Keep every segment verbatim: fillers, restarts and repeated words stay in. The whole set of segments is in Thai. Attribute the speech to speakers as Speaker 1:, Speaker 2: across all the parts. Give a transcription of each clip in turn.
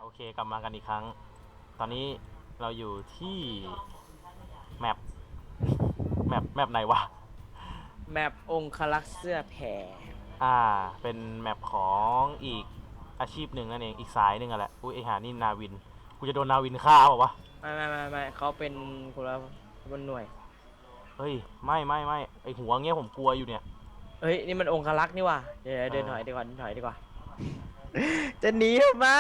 Speaker 1: อเคกลับมากันอีกครั้ง ตอนนี้เราอยู่ที่แมปแมปแมปไหนวะ
Speaker 2: แมปองคลักษ์เสื้อแผ่
Speaker 1: อ่าเป็นแมปของอีกอาชีพหนึ่งนั่นเองอีกสายหนึ่งอะแหละอุ้ยไอหานี่นาวินกูจะโดนนาวินฆ่าเปล่าวะ
Speaker 2: ไม่ไม่ไม่ไม่เขาเป็นคนละบนหน่วย
Speaker 1: เฮ้ยไม่ไม่ไม่ไอหัวเงี้ยผมกลัวอยู่เนี่ย
Speaker 2: เฮ้ยนี่มันองคลักษ์นี่ว่ะเดี๋ยวเดิน
Speaker 1: เออ
Speaker 2: ถอยดีกว่าเดินถอยดีกว่า จะหนีทำไม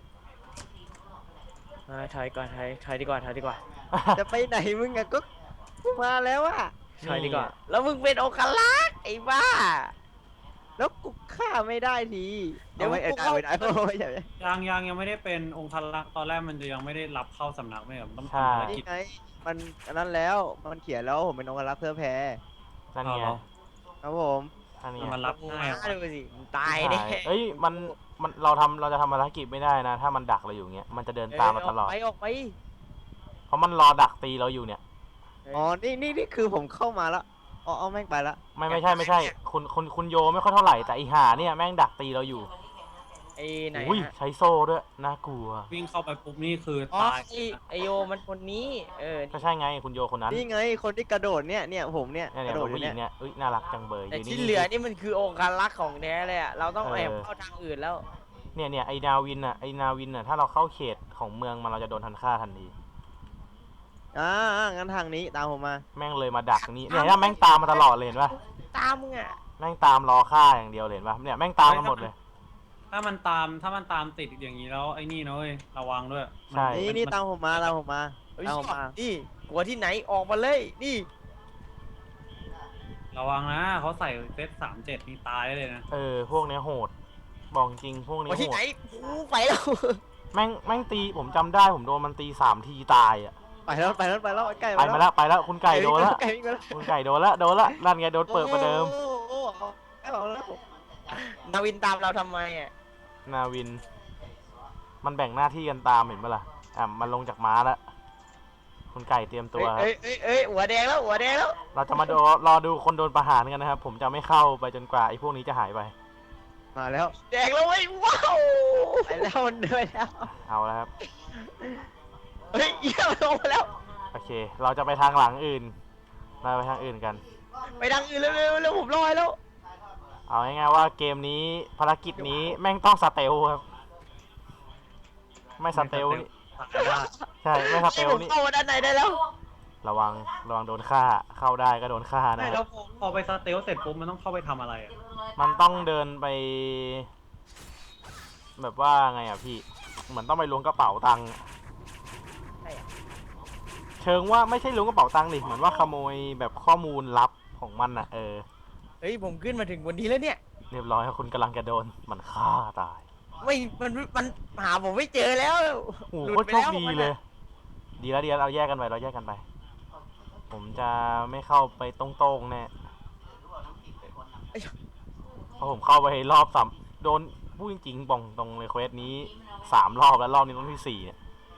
Speaker 2: เออถอยก่อนถอยถอยดีกว่าถอยดีกว่า
Speaker 3: จะไปไหนมึงอะก็มาแล้วอะ
Speaker 2: ถอยดีกว่า แล้วมึงเป็นองคลักษ์ไอ้บ้า
Speaker 3: แล้วกูฆ่าไม่ได้ที
Speaker 2: เดี๋ยว
Speaker 3: อาไม่
Speaker 2: กู
Speaker 3: เอา
Speaker 2: เข้า
Speaker 3: ไม่ได้ไม่ได้
Speaker 4: ยังยังยังไม่ได้เป็นองค์ทลักษ์ตอนแรกมันจะยังไม่ได้รับเข้าสำนักไม่เหรอมันต้อง
Speaker 1: ใช่
Speaker 4: ทำภารกิ
Speaker 3: นี่
Speaker 4: จ
Speaker 3: ไงมันอันนั้นแล้วมันเขียนแล้วผมเป็นองค์รักษ์เพื่อแพ้
Speaker 1: นั่นไง
Speaker 3: ครับผม
Speaker 1: นั่นไง
Speaker 4: มันรับ
Speaker 2: มึง
Speaker 4: ง่าย
Speaker 2: มาดูสิมึงตายแน่
Speaker 1: เอ้ยมันมันเราทำเราจะทำภารกิจไม่ได้นะ ถ้ามันดักเราอยู่เงี้ยมันจะเดินตามมาตลอด
Speaker 2: ไปออกไป
Speaker 1: เพราะมันรอดักตีเราอยู่เนี่ย
Speaker 3: อ๋อนี่นี่นี่คือผมเข้ามาแล้วอ๋อเอาแม่งไปละ
Speaker 1: ไม่ไม่ใช่ไม่ใช่คุณคุณคุณโยไม่ค่อยเท่าไหร่แต่อีหาเนี่ยแม่งดักตีเราอยู่
Speaker 2: ไอ้ไหน
Speaker 1: อุ้ย
Speaker 2: ฮะ
Speaker 1: ใช้โซ่ด้วยน่ากลัว
Speaker 4: วิ่งเข้าไปปุ๊บนี่คือ
Speaker 2: อ๋อ
Speaker 4: ตาย
Speaker 2: ไอ้ไอโยมันคนนี้ เออ
Speaker 1: ก็ใช่ไงคุณโยคนนั้น
Speaker 3: นี่ไงคนที่กระโดดเนี่ยเนี่ยผมเนี่ย
Speaker 1: เนี่ย
Speaker 3: ก
Speaker 1: เนี่ย
Speaker 3: ระโดด
Speaker 1: ผู้
Speaker 3: อ
Speaker 1: หญิ
Speaker 3: ยู่
Speaker 1: ง
Speaker 3: เนี่ย
Speaker 1: เนี่ยเอ้ยน่ารักจังเบย
Speaker 2: แต่
Speaker 1: ยู่
Speaker 2: ที่เหลือนี่มันคือองคลักษ์ของแท้เลยอะเราต้อง
Speaker 1: เออ
Speaker 2: แอบเข้าทางอื่นแล้ว
Speaker 1: เนี่ยเนี่ยไอ้นาวินอ่ะไอ้นาวินอ่ะถ้าเราเข้าเขตของเมืองมันเราจะโดนทันฆ่าทันที
Speaker 3: อ่าอ่างั้นทางนี้ตามผมมา
Speaker 1: แม่งเลยมาดักนี่เนี่ยเนี่ยแม่งตามมาตลอดเลยเห็นปะ
Speaker 2: ตามมึงอะ
Speaker 1: แม่งตามรอฆ่าอย่างเดียวเลยเห็นปะเนี่ยแม่งตามมาหมดเลย
Speaker 4: ถ้ามันตามถ้ามันตามติดอย่างนี้แล้วไอ้นี่นะเว้ยระวังด้วย
Speaker 1: ใช่
Speaker 3: นี่นี่ตามผมมาตามผมมา
Speaker 2: เฮ้ย
Speaker 3: ตามผมมา
Speaker 2: นี่กลัวที่ไหนออกมาเลยนี่
Speaker 4: ระวังนะเขาใส่เซตสามเจ็ดนี่ตายได้เลยนะ
Speaker 1: เออพวกเนี้ยโหดบอกจริงพวก
Speaker 2: ก
Speaker 1: นี้
Speaker 2: ลัวที่
Speaker 1: โห
Speaker 2: ไหน
Speaker 1: ด
Speaker 2: กูไปแล้ว
Speaker 1: แม่งแม่งตีผมจำได้ผมโดนมันตีสามทีตายอ่ะ
Speaker 3: ไปแล้วไปแล้วไปแล้วใกล้
Speaker 1: ไปมาแล้วไปแล้วคุณไก่โดนละ
Speaker 3: ไก่วิ่งมาแล้ว
Speaker 1: คุณไก่โดนละโดนละนั่นไงโดนเปิดประเดิม
Speaker 3: โอ้โหเอาเอาแล้ว
Speaker 2: นาวินตามเราทำไมอะ
Speaker 1: นาวิน มันแบ่งหน้าที่กันตามเห็นปะล่ะอ่ะมันลงจากม้าแล้วคุณไก่เตรียมตัวครับ
Speaker 2: เอ้ยเอ้ยเอ้ยหัวแดงแล้วหัวแดงแล้ว
Speaker 1: เราจะมาดูรอดูคนโดนประหารกันนะครับ ผมจะไม่เข้าไปจนกว่าไอ้พวกนี้จะหายไป
Speaker 3: มาแล้ว
Speaker 2: แดงแล้วเว้ยว้าว
Speaker 3: ไปแล้วมันเดินแล้ว
Speaker 1: เอาแล้วครับ
Speaker 2: เฮ้ยเยี่ยมลงมาแล้ว
Speaker 1: โอเค เราจะไปทางหลังอื่น เราไปทางอื่นกัน
Speaker 2: ไปทางอื่นเร็วเร็วเร็วผมรอแล้ว
Speaker 1: เอาง่ายๆว่าเกมนี้ภารกิจนี้แม่งต้องสเตลครับ ไม่สเตลนี่
Speaker 4: ตายได้
Speaker 1: ใช่ไม่สเต
Speaker 2: ให้
Speaker 1: ล
Speaker 2: ผม
Speaker 1: นี่
Speaker 2: เข้ามาด้านในได้แล้ว
Speaker 1: ระวังระวังโดนฆ่าเข้าได้ก็โดนฆ่านะ
Speaker 4: ไม่
Speaker 1: ค
Speaker 4: แล้
Speaker 1: รั
Speaker 4: ว
Speaker 1: บ
Speaker 4: พอพอไปสเตลเสร็จปุ๊บมันต้องเข้าไปทำอะไรอ่ะ
Speaker 1: มันต้องเดินไป แบบว่าไงอ่ะพี่ เหมือนต้องไปล้วงกระเป๋าตังค์
Speaker 2: ใช่อะ
Speaker 1: เชิงว่าไม่ใช่ล้วงกระเป๋าตังค์ดิเหมือนว่าขโมยแบบข้อมูลลับของมันอ่ะเออ
Speaker 2: เฮ้ยผมขึ้นมาถึงวันนี้แล้วเนี่ย
Speaker 1: เรียบร้อยครับคุณกำลังจะโดนมันฆ่าตาย
Speaker 2: ไม่มันมันหาผมไม่เจอแล้ว
Speaker 1: โอ้โห
Speaker 2: หลุ
Speaker 1: โคตร
Speaker 2: ไป
Speaker 1: โชค
Speaker 2: แล้ว
Speaker 1: ดี
Speaker 2: มัน
Speaker 1: เล
Speaker 2: อะ
Speaker 1: ย ดีแล้วดีแล้วเราแยกกันไปเราแยกกันไป ผมจะไม่เข้าไปตรงๆแน่เพราะผมเข้าไปรอบสามโดนพูดจริงๆบองตรงในเควสนี้สามรอบแล้วรอบนี้รอบที่สี่เนี่ย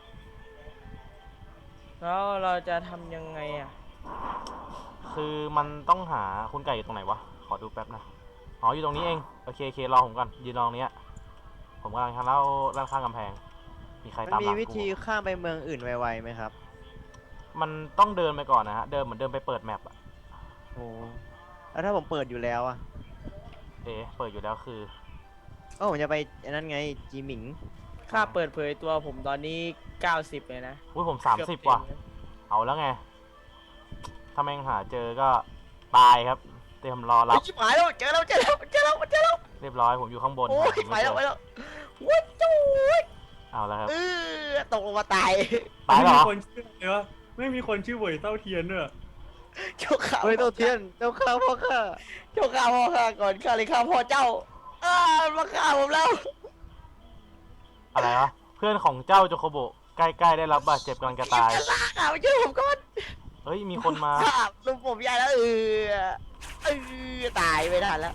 Speaker 2: แล้วเราจะทำยังไงอ่ะ
Speaker 1: คือมันต้องหาคุณไก่อยู่ตรงไหนวะ ขอดูแป๊บนะ อ๋ออยู่ตรงนี้เอง โอเคโอเครอผมก่อนยืนรอตรงเนี้ยผมกำลังทำแล้วด้านข้างกำแพง มีใคร
Speaker 3: มัน
Speaker 1: ตามห
Speaker 3: มี
Speaker 1: ลัง
Speaker 3: วิธี
Speaker 1: กู
Speaker 3: ข้ามไปเมืองอื่นไวๆไหมครับ
Speaker 1: มันต้องเดินไปก่อนนะฮะ เดินเหมือนเดินไปเปิดแมปอะ
Speaker 3: โอ้แล้วถ้าผมเปิดอยู่แล้วอะ
Speaker 1: เอ๊ะเปิดอยู่แล้วคือ
Speaker 3: ก็ผมจะไปอันนั้นไงจีหมิง
Speaker 2: ค่าเปิดเผยตัวผมตอนนี้เก้าสิบเลยนะ
Speaker 1: อุ้ยผมสาม
Speaker 2: เกื
Speaker 1: สิบ
Speaker 2: เต็
Speaker 1: ว่ะ
Speaker 2: เลย
Speaker 1: เอาแล้วไง ถ้าแม่งหาเจอก็ตายครับ เตรียมรอรั
Speaker 2: เฮ้
Speaker 1: บ
Speaker 2: ยชิบหายแล้วเจอแล้วเจอแล้วเจอแล้วเจอแล้ว
Speaker 1: เรียบร้อยผมอยู่ข้างบน
Speaker 2: โอ้ย
Speaker 1: หา
Speaker 2: ไป
Speaker 1: ม่เจ
Speaker 2: แล้ว
Speaker 1: อ
Speaker 2: ไปแล้วว้าวจู๊ด
Speaker 1: เอาแล้วครับ
Speaker 2: เออตกลงมาตาย
Speaker 1: ตายเหรอ
Speaker 4: ไม่มีคนชื่อเลยวะไม่มีคนชื่อเหวยเต้าเทียนด้วย
Speaker 2: เจ้าข้า
Speaker 3: เฮ้ยเต้าเทียนเจ้าข้าพ่อข้า
Speaker 2: เจ้าข้าพ่อข้าก่อนข้าเลยข้าพ่อเจ้าเออมาฆ่าผมแล้ว
Speaker 1: อะไรวะ เพื่อนของเจ้าโจโคโบะใกล้ๆได้รับบาดเจ็บกำลังจะตาย
Speaker 2: จะลากอ่ะมาช่วยผมก่อน
Speaker 1: เฮ้ยมีคนมา
Speaker 2: ข้าลุงผมใหญ่แล้วเออเออตายไม่ทันแล้ว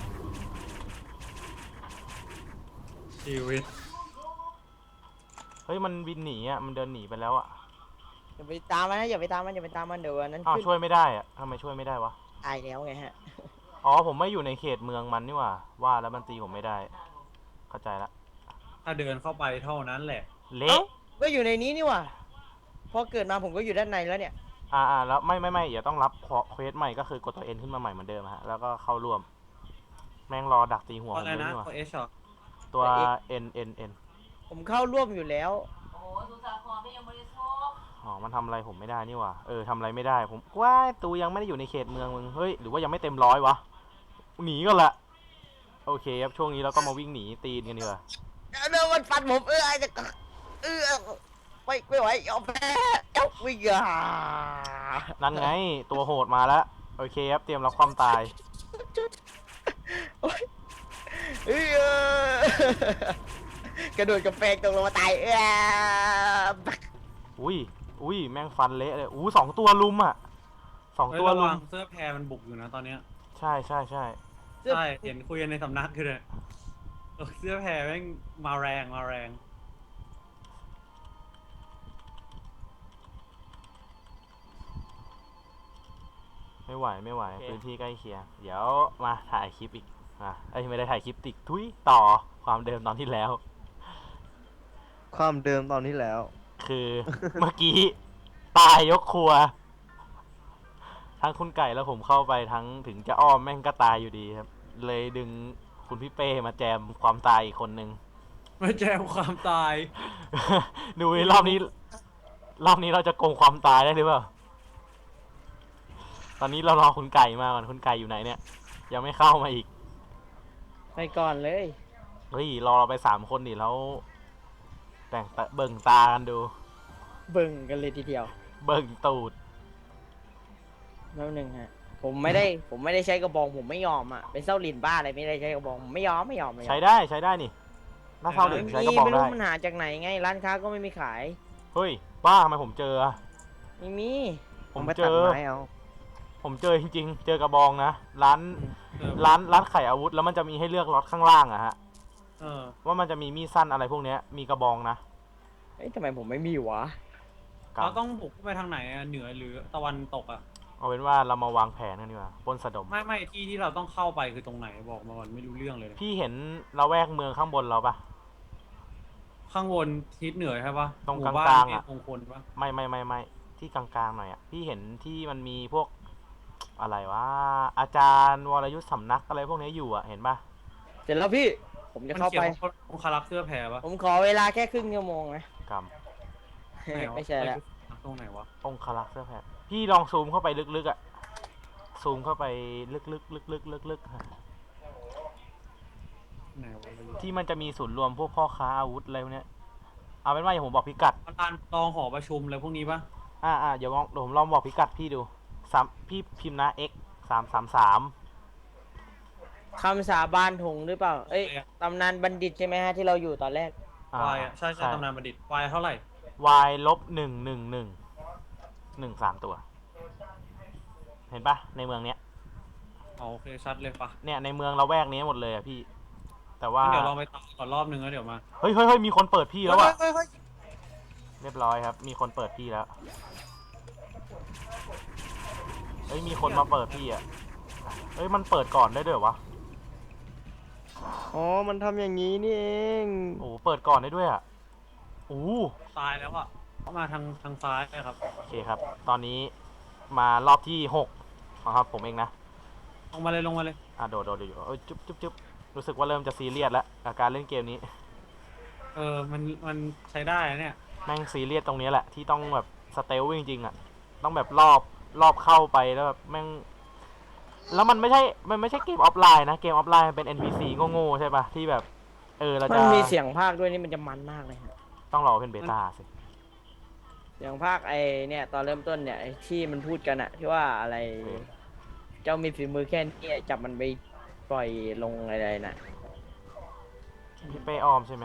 Speaker 4: ชีวิต
Speaker 1: เฮ้ยมันบินหนีอ่ะมันเดินหนีไปแล้วอ่ะ
Speaker 2: อย่าไปตามมันนะอย่าไปตามมันอย่าไปตามมันเดี๋ยวอันนั้น
Speaker 1: อ้าว
Speaker 2: ขึ้น
Speaker 1: ช่วยไม่ได้อ่ะทำไมช่วยไม่ได้วะ
Speaker 2: ตายแล้วไงฮะ
Speaker 1: อ๋อผมไม่อยู่ในเขตเมืองมันนี่หว่าว่าแล้วมันตีผมไม่ได้ เข้าใจละ
Speaker 4: ถ้าเดินเข้าไปเท่านั้นแหละ
Speaker 1: เละ
Speaker 2: เอ้าก็อยู่ในนี้นี่หว่าพอเกิดมาผมก็อยู่ด้านในแล้วเนี่ย
Speaker 1: อ่าอ่าแล้วไม่ไม่ไม่เดี๋ยวต้องรับเควสใหม่ก็คือกดตัวเอ็นขึ้นมาใหม่เหมือนเดิมฮะแล้วก็เข้าร่วม แม่งรอดักตีหัว
Speaker 4: เพ
Speaker 1: ผ
Speaker 4: ราะ
Speaker 1: ม
Speaker 4: อะไร
Speaker 1: เลย
Speaker 4: นะ
Speaker 1: นี่หว่า
Speaker 4: ตัวเอชเหรอ
Speaker 1: ตัว
Speaker 2: ตัว X
Speaker 1: N N N
Speaker 2: ผมเข้าร่วมอยู่แล้ว
Speaker 5: โอ้สุสาครก็ยังไม่ได้โชค
Speaker 1: อ๋อมันทำอะไรผมไม่ได้นี่หว่าเออทำอะไรไม่ได้ผมว่าตูยังไม่ได้อยู่ในเขตเมืองมึงเฮ้ยหรือว่ายังไม่เต็มร้อยวะหนีก็ละโอเคครับช่วงนี้เราก็มาวิ่งหนีตีนกันดีกว่า
Speaker 2: เดินมันฟันผมเออจะเออไม่ไม่ไหวยอมแพ้เอ้าวิ่งอ่ะ
Speaker 1: นั่นไงตัวโหดมาแล้วโอเคครับเตรียมรับความตาย
Speaker 2: โอ๊ยเออกระโดดกระแพงตกลงมาตายเออ
Speaker 1: อุ้ยอุ้ยแม่งฟันเละเลยอู้สองตัวลุมอ่ะสอง
Speaker 4: เฮ้ย
Speaker 1: ตัว
Speaker 4: ระ
Speaker 1: ลุ
Speaker 4: วั
Speaker 1: ม
Speaker 4: งเสื้อแพรมันบุกอยู่นะตอนเนี้ย
Speaker 1: ใช่ใช่ใช่
Speaker 2: เสื้อ
Speaker 4: ใช่เห็นคุยกันในสำนักคือเลยเออเสื้อแพรแม่งมาแรงมาแรง
Speaker 1: ไม่ไหวไม่ไหวพื้นที่ใกล้เคียงเดี๋ยวมาถ่ายคลิปอีกอ่ะเอ้ยไม่ได้ถ่ายคลิปติกทุยต่อความเดิมตอนที่แล้ว
Speaker 3: ความเดิมตอนนี้แล้ว
Speaker 1: คือ เมื่อกี้ตายยกครัว ทั้งคุณไก่แล้วผมเข้าไปทั้งถึงจะอ้อมแม่งก็ตายอยู่ดีครับ เลยดึงคุณพี่เป้มาแจมความตายอีกคนนึง
Speaker 4: มาแจมความตาย
Speaker 1: ดูดิรอบนี้ รอบนี้เราจะโกงความตายได้หรือเปล่า ตอนนี้เรารอคุณไก่มาก่อนคุณไก่อยู่ไหนเนี่ย ยังไม่เข้ามาอีก
Speaker 2: ไปก่อนเลย
Speaker 1: เฮ้ยรอเราไปสามคนดิแล้ว แต่งตาเบิ่งตากันดู
Speaker 2: เบิ่งกันเลยทีเดียว
Speaker 1: เบิ่งตูด
Speaker 2: แล้วหนึ่งฮะผมไม่ได้ผมไม่ได้ใช้กระบองผมไม่ยอมอ่ะเป็นเส้าหลินบ้าอะไรไม่ได้ใช้กระบองผมไม่ยอมไม่ยอมไม่ยอ
Speaker 1: ใช้
Speaker 2: ม
Speaker 1: ได้ใช้ได้นี่น่าเศร้าหนึ่งใช้
Speaker 2: ไม่
Speaker 1: ก็
Speaker 2: มี
Speaker 1: บอก
Speaker 2: ไม่รู้
Speaker 1: ได้
Speaker 2: มันหาจากไหนไงร้านค้าก็ไม่มีขาย
Speaker 1: เฮ้ยบ้าทำไมผมเจออะ
Speaker 2: ไม่มี
Speaker 1: ผม
Speaker 3: ไป
Speaker 1: เจ
Speaker 3: ตัด
Speaker 1: อ
Speaker 3: ไม้เอา
Speaker 1: ผมเจอจริงๆ เจอกระบองนะ ร้าน
Speaker 4: เออ
Speaker 1: ร้านร้านขายอาวุธแล้วมันจะมีให้เลือกล็อตข้างล่างอะฮะ
Speaker 4: เออ
Speaker 1: ว่ามันจะมีมีดสั้นอะไรพวกเนี้ย มีกระบองนะ
Speaker 2: เอ้ยทำไมผมไม่มีวะ
Speaker 1: กำ
Speaker 4: เราต้องบุกไปทางไหนอะเหนือหรือตะวันตกอะ
Speaker 1: เอาเป็นว่าเรามาวางแผนกันดีกว่าปล้นสะดม
Speaker 4: ไม่ไม่ที่ที่เราต้องเข้าไปคือตรงไหนบอกมาก่อนไม่รู้เรื่องเลย
Speaker 1: พี่เห็นเราแวกเมืองข้างบนเราปะ
Speaker 4: ข้างบนทิศเหนือใช่ปะ
Speaker 1: ตรง
Speaker 4: หมู่บ้น
Speaker 1: กลางๆอะ
Speaker 4: เทพมงคลปะ
Speaker 1: ไม่ไม่ไม่ไม่ที่กลางๆหน่อยอะพี่เห็นที่มันมีพวกอะไรวะอาจารย์วรยุทธสำนักอะไรพวกนี้อยู่อะเห็นปะ
Speaker 2: เสร็จแล้วพี่ ผมจะ
Speaker 4: มัน
Speaker 2: เข้า
Speaker 4: เขีย
Speaker 2: ไป
Speaker 4: นว่าองคารักษ์เสื้อแพรปะ
Speaker 2: ผมขอเวลาแค่ครึ่งชั่วโมงนะ
Speaker 1: กรรม
Speaker 4: ไหนวะ
Speaker 2: ไม่ใช่แล้ว
Speaker 4: ตรงไหนวะ
Speaker 1: องคลักษ์เสื้อแผ่พี่ลองซูมเข้าไปลึกๆอะซูมเข้าไปลึกๆลึกๆลึกๆฮะ
Speaker 4: ไหนวะ
Speaker 1: ที่มันจะมีศูนย์รวมพวกพ่อค้าอาวุธอะไรพวกเนี้ยเอาเป็นว่าอย่างผมบอกพิกัด
Speaker 4: ประธานรองหอประชุมอะไรพวกนี้ปะ
Speaker 1: อ่าอ่าเดี๋ยวลองเดี๋ยวผมลองบอกพิกัดพี่ดูสามพี่พิมพ์นะ x สามสามสาม
Speaker 2: คำสาบานถงหรือเปล่า เอ้ยตำนานบัณฑิตใช่ไหมฮะที่เราอยู่ตอนแรก
Speaker 4: วายอะใช่ใช่ตำนานบัณฑิตวายเท่าไหร่
Speaker 1: y ลบหนึ่งหนึ่งหนึ่งหนึ่งสามตัว เห็นปะในเมืองเนี้ย
Speaker 4: อ๋อโอเคชัดเลยปะ
Speaker 1: เนี่ยในเมืองเราแวกนี้หมดเลยอะพี่ แต่ว่า
Speaker 4: งั้นเดี๋ยวลองไปตามก่อนรอบนึงแล้วเดี๋ยวมา
Speaker 1: เฮ้ยเฮ้ยเฮ้ยมีคนเปิดพี่แล้วอะ
Speaker 2: เฮ้ยเฮ้ย
Speaker 1: เรียบร้อยครับ มีคนเปิดพี่แล้ว เฮ้ย มีคนมาเปิดพี่อ่ะ เฮ้ย มันเปิดก่อนได้ด้วยเหรอวะ
Speaker 3: อ๋อ มันทำอย่างนี้นี่เอง
Speaker 1: โอ้โหเปิดก่อนได้ด้วยอ่ะโอ้โห
Speaker 4: ตายแล้วอะเข้ามาทางทางซ้ายครับ
Speaker 1: โอเคครับ ตอนนี้มารอบที่หกนะครับผมเองนะ
Speaker 4: ลงมาเลยลงมาเลย
Speaker 1: อ่ะโดดโดดอยู่เอ้ยจุ๊บจุ๊บจุ๊บรู้สึกว่าเริ่มจะซีเรียสแล้วกับการเล่นเกมนี้
Speaker 4: เออมันมันใช้ได้นะเนี่ย
Speaker 1: แม่งซีเรียสตรงนี้แหละที่ต้องแบบสเตลจริงๆอ่ะ ต้องแบบรอบรอบเข้าไปแล้วแบบแม่ง แล้วมันไม่ใช่ มันไม่ใช่เกมออฟไลน์นะ เกมออฟไลน์มันเป็น เอ็น พี ซี โง่ๆใช่ปะที่แบบ เออเรา
Speaker 2: มั
Speaker 1: จะ
Speaker 2: นมีเสียงภาคด้วยนี่มันจะมันมากเลยฮะ
Speaker 1: ต้องรอเป็นเบต้าสิ
Speaker 2: เสียงภาคไอเนี่ยตอนเริ่มต้นเนี่ยไอ้ที่มันพูดกันอะที่ว่าอะไร
Speaker 1: เออ
Speaker 2: เจ้ามีฝีมือแค่นี้จับมันไปปล่อยลงอะไรน่ะ
Speaker 1: พี่เป้ออมใช่ไหม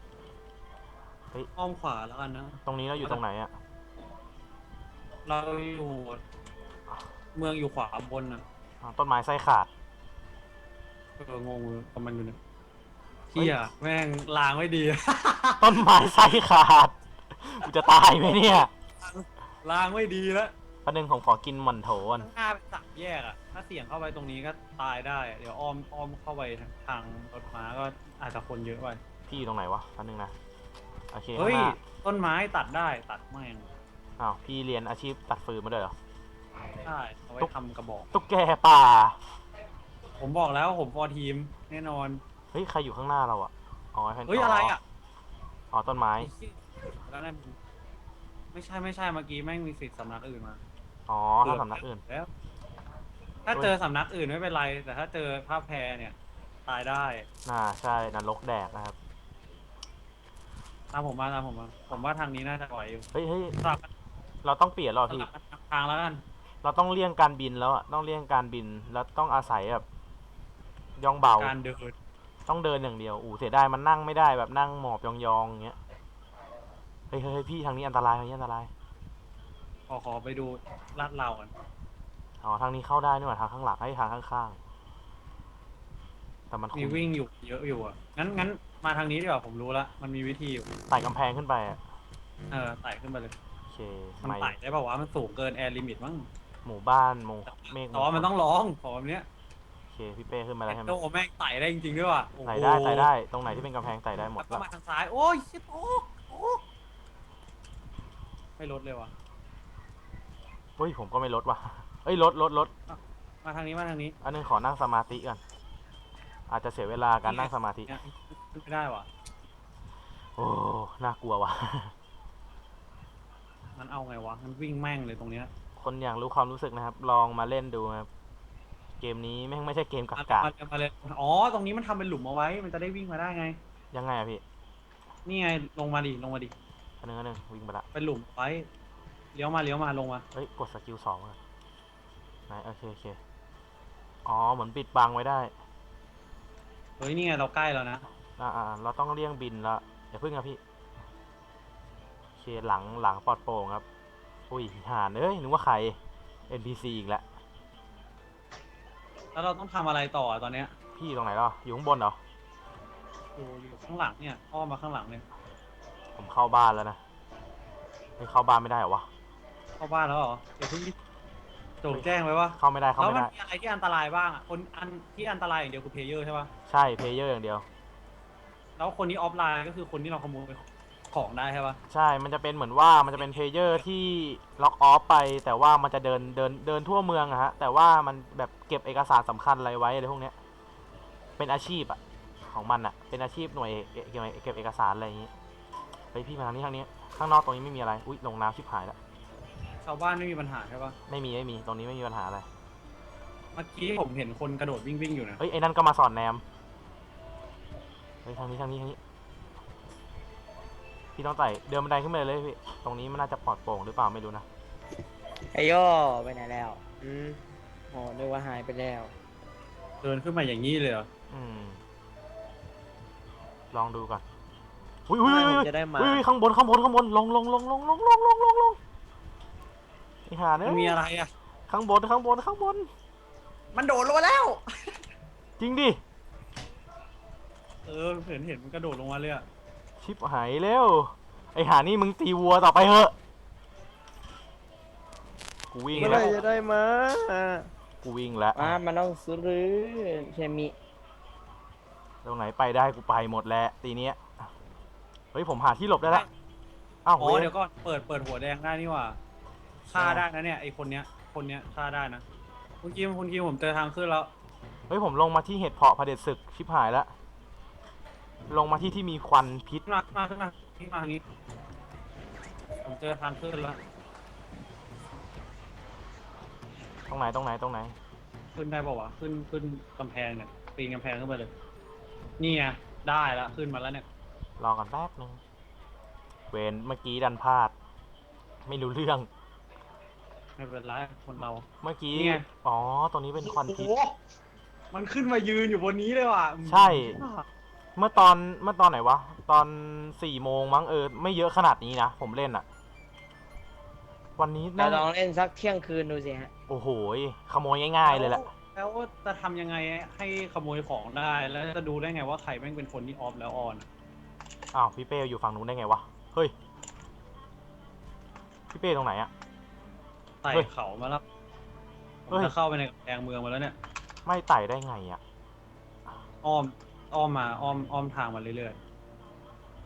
Speaker 4: อ้อมขวาแล้วกันนะ
Speaker 1: ตรงนี้เราอยู่ตรงไหนอะ
Speaker 4: เราอยู่เมืองอยู่ขวาบนอ่ะ
Speaker 1: อ่าต้นไม้ไส้ขาด
Speaker 4: เอองงกับมันอยู่เนี่ยเฮียแม่งล้างไม่ดี
Speaker 1: ต้นไม้ไส้ขาด กูจะตายไหมเนี่ย
Speaker 4: ล้างไม่ดีแล้ว
Speaker 1: ประเด็นผมขอกินหมันโถก่อน
Speaker 4: หน้าเป็นสามแยกอ่ะ ถ้าเสี่ยงเข้าไปตรงนี้ก็ตายได้อะเดี๋ยวอ้อมอ้อมเข้าไปทางรถม้าก็อาจจะคนเยอะไป
Speaker 1: พี่อยู่ตรงไหนวะอันนึงนะโอเคข้า
Speaker 4: เฮ้
Speaker 1: ง
Speaker 4: ย
Speaker 1: หน้า
Speaker 4: ต้นไม้ตัดได้ตัดแม่ง
Speaker 1: อ้าวพี่เรียนอาชีพตัดฟืนมาด้วยเหรอ
Speaker 4: ใช่เอาไว้ทำกระบอก
Speaker 1: ตุ๊กแกป่า
Speaker 4: ผมบอกแล้วผมฟอร์ทีมแน่นอน
Speaker 1: เฮ้ยใครอยู่ข้างหน้าเราอะอ๋อไอ้แผ่น
Speaker 4: เฮ้ยอะไรอ่ะ
Speaker 1: อ๋อต้นไม้
Speaker 4: ไอ้เหี้ยแล้วนั่นไม่ใช่ไม่ใช่เมื่อกี้แม่งมีสิทธิ์สำนักอื่นมา
Speaker 1: อ๋อถ้าสำนักอื่น
Speaker 4: แล้ว ถ้าเจอสำนักอื่นไม่เป็นไร แต่ถ้าเจอภาพแพรเนี่ย ตายได้
Speaker 1: น่าใช่นรกแดกนะครับ
Speaker 4: ตามผมมาตามผมมา ผมว่าทางนี้น่าจะไหวอยู่
Speaker 1: เฮ้ยเฮ้ย
Speaker 4: สลับ
Speaker 1: เราต้องเปลี่ยนแล้ว
Speaker 4: ส
Speaker 1: พี่
Speaker 4: ลับทางแล้วกัน
Speaker 1: เราต้องเลี่ยงการบินแล้วอะต้องเลี่ยงการบินแล้วต้องอาศัยแบบย่องเบา
Speaker 4: การเดิน
Speaker 1: ต้องเดินอย่างเดียวอู้เสียดายมันนั่งไม่ได้แบบนั่งหมอบยองๆอย่างเงี้ยเฮ้ยเฮ้ยเฮ้ยพี่ทางนี้อันตรายทางนี้อันตราย
Speaker 4: ขอขอไปดูลาดเราก่อน
Speaker 1: อ๋อทางนี้เข้าได้นี่หว่าทางข้างหลังไอ้ยทางข้างๆแต่มันค
Speaker 4: มี
Speaker 1: ง
Speaker 4: วิ่งอยู่เยอะอยู่อ่ะ งั้นงั้นมาทางนี้ดีกว่าผมรู้ละมันมีวิธีอยู่
Speaker 1: ไต่กำแพงขึ้นไปอะ
Speaker 4: เออไต่ขึ้นไปเลย
Speaker 1: โอเค
Speaker 4: มัน
Speaker 1: ไม่
Speaker 4: ไต่ได้ป่าวะมันสูงเกินแอร์ลิมิตมั้ง
Speaker 1: หมู่บ้านหมู่เมฆ
Speaker 4: แต่ว่ามันต้องร้องขอแบบเนี้ย
Speaker 1: โอเคพี่เป้ขึ้นมาแล้วใช่ไหม
Speaker 4: โอ้แม่งไต่ได้จริงๆด้วยว่ะโอ้โห
Speaker 1: ไต่ได้ไต่ได้ตรงไหนที่เป็นกำแพงไต่ได้หมด
Speaker 4: แล้วก็
Speaker 1: ละ
Speaker 4: มาทางซ้าย โอ้ยชิบโอ้โอ้ไม่ลดเลยว่ะ
Speaker 1: เฮ้ยผมก็ไม่ลดว่ะเอ้ยลดลดลด
Speaker 4: มาทางนี้มาทางนี้
Speaker 1: อันนึงขอนั่งสมาธิก่อนอาจจะเสียเวลาการนั่งสมาธิ
Speaker 4: เนี่ยขึ้นไม่ได้ว่ะ
Speaker 1: โอ้น่ากลัวว่ะ
Speaker 4: มันเอาไงวะมันวิ่งแม่งเลยตรงเนี้ย
Speaker 1: คนอยากรู้ความรู้สึกนะครับ ลองมาเล่นดูนะครับเกมนี้แม่งไม่ใช่เกมกักกา
Speaker 4: มาเลยมาเลยอ๋อตรงนี้มันทำเป็นหลุมเอาไว้ มันจะได้วิ่งมาได้ไง
Speaker 1: ยังไงอะพี่
Speaker 4: นี่ไงลงมาดิลงมาดิ
Speaker 1: อันนึงอันนึงวิ่งไปละ
Speaker 4: เป็นหลุมไว้เลี้ยวมาเลี้ยวมาลงมา
Speaker 1: เฮ้ยกดสกิลสองอะไหนโอเคโอเคอ๋อเหมือนปิดบังไว้ได้
Speaker 4: เฮ้ยนี่ไงเราใกล้แล้วนะ
Speaker 1: อ่าอ่าเราต้องเลี่ยงบินละอย่าพึ่งครับพี่โอเคหลังหลังปลอดโปร่งครับอุ้ยหานเอ้ยนึกว่าใคร เอ็น พี ซี อีกแล้ว
Speaker 4: แล้วเราต้องทำอะไรต่อตอนเนี้ย
Speaker 1: พี่อยู่ตรงไหนล่ะอยู่ข้างบนเหรอ
Speaker 4: อยู่อยู่ข้างหลังเนี่ยอ้อมมาข้างหลังเนี่ย
Speaker 1: ผมเข้าบ้านแล้วนะไม่เข้าบ้านไม่ได้เหรอวะ
Speaker 4: เข้าบ้านแล้วเหรอเดี๋ยวเพิ่งโจงแจ้งไว้ว่า
Speaker 1: เข้าไม่ได้เข้า
Speaker 4: แล้ว
Speaker 1: ไม่
Speaker 4: มัน
Speaker 1: ได้
Speaker 4: มีอะไรที่อันตรายบ้างอ่ะคนอันที่อันตรายอย่างเดียวคือเพลเยอร์ใช่ป่ะ
Speaker 1: ใช่เพลเยอร์อย่างเดียว
Speaker 4: แล้วคนที่ออฟไลน์ก็คือคนที่เราขโมยของได้ใช่ป่ะ
Speaker 1: ใช่ มันจะเป็นเหมือนว่ามันจะเป็นเพลเยอร์ที่ล็อกออฟไป แต่ว่ามันจะเดินเดินเดินทั่วเมืองอะฮะ แต่ว่ามันแบบเก็บเอกสารสำคัญอะไรไว้อะไรพวกเนี้ย เป็นอาชีพอะของมันอะเป็นอาชีพหน่วยเอเก็บเก็บเอกสารอะไรอย่างงี้เฮ้ยพี่มาทางนี้ทางนี้ ข้างนอกตรงนี้ไม่มีอะไร อุ้ยลงน้ำชิบหายแล้ว
Speaker 4: ชาวบ้านไม่มีปัญหาใช่ป่ะ
Speaker 1: ไม่มีไม่มี ตรงนี้ไม่มีปัญหาอะไร
Speaker 4: เมื่อกี้ผมเห็นคนกระโดดวิ่งวิ่งอยู่นะ
Speaker 1: เฮ้ยไอ้นั่นก็มาสอนแนม เฮ้ยทางนี้ทางนี้ทางนี้ พี่ต้องไต่เดินบันไดขึ้นไปเลยพี่ ตรงนี้มันน่าจะปลอดโปร่งหรือเปล่าไม่รู้นะ
Speaker 2: ไอโยไปไหนแล้ว อืมโอ้นึกว่าหายไปแล้ว
Speaker 4: เดินขึ้นมาอย่างนี้เลยเหรอ
Speaker 1: อืม ลองดูก่อน อุ้ยอุ้ย
Speaker 3: ไม่
Speaker 1: อุ้ย
Speaker 3: ผม
Speaker 1: อุ้ย
Speaker 3: จะได้มา
Speaker 1: อุ้ยข้างบนข้างบนข้างบนลงลงลงลงลงลงลงลงลงไอ้ห่าเนี่
Speaker 4: มันมี
Speaker 1: ย
Speaker 4: อะไรอ่ะ
Speaker 1: ข้างบนข้างบนข้างบน
Speaker 4: มันโดดลงมาแล้ว
Speaker 1: จริงดิ
Speaker 4: เออเห็นเห็นมันกระโดดลงมาเลยอ่ะ
Speaker 1: ชิบหายเร็วไอ้ห่านี่มึงตีวัวต่อไปเถอะกูวิ่ง
Speaker 3: เมื่อไห
Speaker 1: แล้
Speaker 3: ร
Speaker 1: ว
Speaker 3: จะได้มา
Speaker 1: กูวิ่งแล้ว
Speaker 2: อ่ามันต้องซื้อเคมี
Speaker 1: ตรงไหนไปได้กูไปหมดแล้วตีเนี้ยเฮ้ยผมหาที่หลบได้ละอ้าว
Speaker 4: อ๋อ
Speaker 1: เว้ย
Speaker 4: เดี๋ยวก็เปิดเปิดหัวแดงได้นี่หว่าฆ่าได้นะเนี่ยไอคนเนี้ยคนเนี้ยฆ่าได้นะคุณกิมคุณกิมผมเจอทางขึ้นแล้ว
Speaker 1: เฮ้ยผมลงมาที่เห็ดเพาะเผด็จศึกชิบหายแล้วลงมาที่ที่มีควันพิษ
Speaker 4: ขึ้นมาขึ้นมาขึ้นมาขึ้นมาทางนี้ผมเจอทางขึ้นแล้ว
Speaker 1: ตรงไหนตรงไหนตรงไหน
Speaker 4: ขึ้นได้ป่าวะขึ้นขึ้นกำแพงเนี่ยปีนกำแพงขึ้นไปเลยนี่ไงได้แล้วขึ้นมาแล้วเนี่ย
Speaker 1: รอก่อนแป๊บนึงเวนเมื่อกี้ดันพลาด ไม่รู้เรื่อง
Speaker 4: ไม่เป็นไรคนเรา
Speaker 1: เมื่อกี้
Speaker 4: นี่ไง
Speaker 1: อ๋อตรงนี้เป็นควันพิษ
Speaker 4: โอ้โหมันขึ้นมายืนอยู่บนนี้เลยว่ะ
Speaker 1: ใช่ เมื่อตอนเมื่อตอนไหนวะ ตอนสี่โมงมั้งเออ ไม่เยอะขนาดนี้นะ ผมเล่นอะวันนี้
Speaker 2: เรา
Speaker 1: น่า
Speaker 2: ลองเล่นสักเที่ยงคืนดูสิฮะ
Speaker 1: โอ้โหยขโมยง่ายๆเลยแหละ
Speaker 4: แล้วจะทำยังไงให้ขโมยของได้ แล้วจะดูได้ไงว่าใครแม่งเป็นคนที่ออฟแล้วออนอะ
Speaker 1: อ้าวพี่เป้อยู่ฝั่งนู้นได้ไงวะ เฮ้ย พี่เป้ตรงไหนอะ
Speaker 4: ไต่
Speaker 1: เฮ้ย
Speaker 4: เขามาแล้วผ
Speaker 1: เฮ้
Speaker 4: ม
Speaker 1: ย
Speaker 4: จะเข้าไปในกำแพงเมืองมาแล้วเนี่ย
Speaker 1: ไม่ไต่ได้ไงอะ
Speaker 4: อ้อมอ้อมมาอ้อมอ้อมทางมาเรื่อย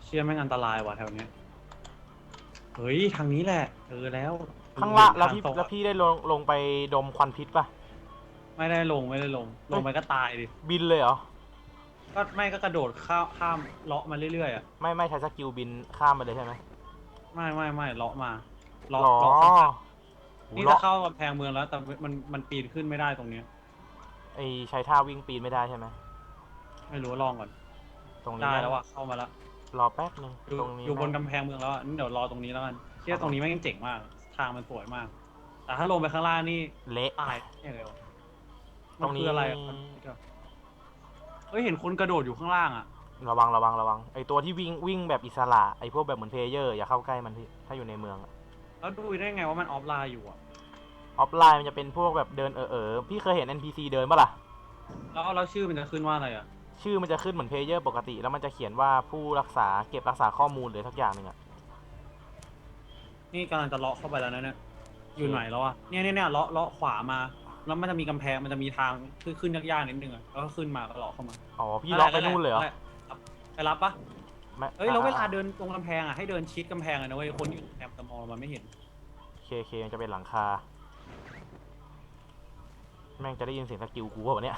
Speaker 4: เชื่อแม่งอันตรายว่ะแถวเนี้ยเฮ้ยทางนี้แหละเออแล้ว
Speaker 1: ข้างล่างแล้ว
Speaker 4: ท
Speaker 1: พี่
Speaker 4: ตรง
Speaker 1: แล้วพี่ได้ลงลงไปดมควันพิษป่ะ
Speaker 4: ไม่ได้ลงไม่ได้ลง ลงไปก็ตายดิ
Speaker 1: บินเลยเหรอ
Speaker 4: ก็ไม่ก็กระโดดข้ามข้ามเลาะมาเรื่อยๆอ่ะ
Speaker 1: ไม่ไม่ใช้สกิลบินข้ามไปเลยใช่ไหม
Speaker 4: ไม่ไม่ไม่เลาะมาเลาะ
Speaker 1: หรอ
Speaker 4: เลาะข้าง
Speaker 1: โห
Speaker 4: นี่
Speaker 1: เลาะ
Speaker 4: จะเข้ากำแพงเมืองแล้ว แต่มันมันปีนขึ้นไม่ได้ตรงเนี้ย
Speaker 1: ไอใช้ท่าวิ่งปีนไม่ได้ใช่ไหม
Speaker 4: ไม่รู้ลองก่อน
Speaker 1: ตรงนี้
Speaker 4: ได้แล้วอ่ะเข้ามาแล้ว
Speaker 1: รอแป๊บนึง
Speaker 4: อยู่
Speaker 1: ตรงนี้
Speaker 4: อยู่บน
Speaker 1: แม่ง
Speaker 4: กำแพงเมืองแล้วอ่ะนี่เดี๋ยวรอตรงนี้แล้วกันเชื่อตรงนี้แม่งเจ๋งมาก ทางมันสวยมาก แต่ถ้าลงไปข้างล่างนี่
Speaker 1: เละ
Speaker 4: ตายเนี่ยเลยวะ
Speaker 1: ตรงนี้
Speaker 4: มัคืออะไรอ่ะมันเฮ้ยเห็นคนกระโดดอยู่ข้างล่างอ่ะ
Speaker 1: ระวังระวังระวังไอตัวที่วิ่งวิ่งแบบอิสระไอพวกแบบเหมือนเพลเยอร์อย่าเข้าใกล้มันพี่ถ้าอยู่ในเมืองอะ
Speaker 4: แล้วดูได้ไงว่ามันออฟไลน์อยู่อ่ะ
Speaker 1: ออฟไลน์มันจะเป็นพวกแบบเดินเออเออพี่เคยเห็น เอ็น พี ซี เดินปะล่ะ
Speaker 4: แล้วแล้วชื่อมันจะขึ้นว่าอะไรอ่ะ
Speaker 1: ชื่อมันจะขึ้นเหมือนเพลเยอร์ปกติ แล้วมันจะเขียนว่าผู้รักษาเก็บรักษาข้อมูลหรือทักอย่างหนึ่งอะ
Speaker 4: นี่กำลังจะเลาะเข้าไปแล้วนะเนี่ยอยู่ไหนแล้วอ่ะเนี่ยเนี่ยเนี่ยเลาะเลาะขวามา แล้วมันจะมีกำแพงมันจะมีทางขึ้นขึ้นยากๆนิดนึงอ่ะแล้วก็ขึ้นมาก็เลาะเข้ามา
Speaker 1: อ๋อพี่เลาะไปนู่นเลยเหรอ
Speaker 4: ไปรับปะ
Speaker 1: ไม่
Speaker 4: เอ้ยแล้วเวลา
Speaker 1: อ่ะ
Speaker 4: เดินตรงกำแพงอ่ะให้เดินชิดกำแพงเลยนะเว้ยคนอยู่แอบตะมองมันไม่เห็น
Speaker 1: เคเคมันจะเป็นหลังคา แม่งจะได้ยินเสียงสกิลกูเปล่าวะเนี่ย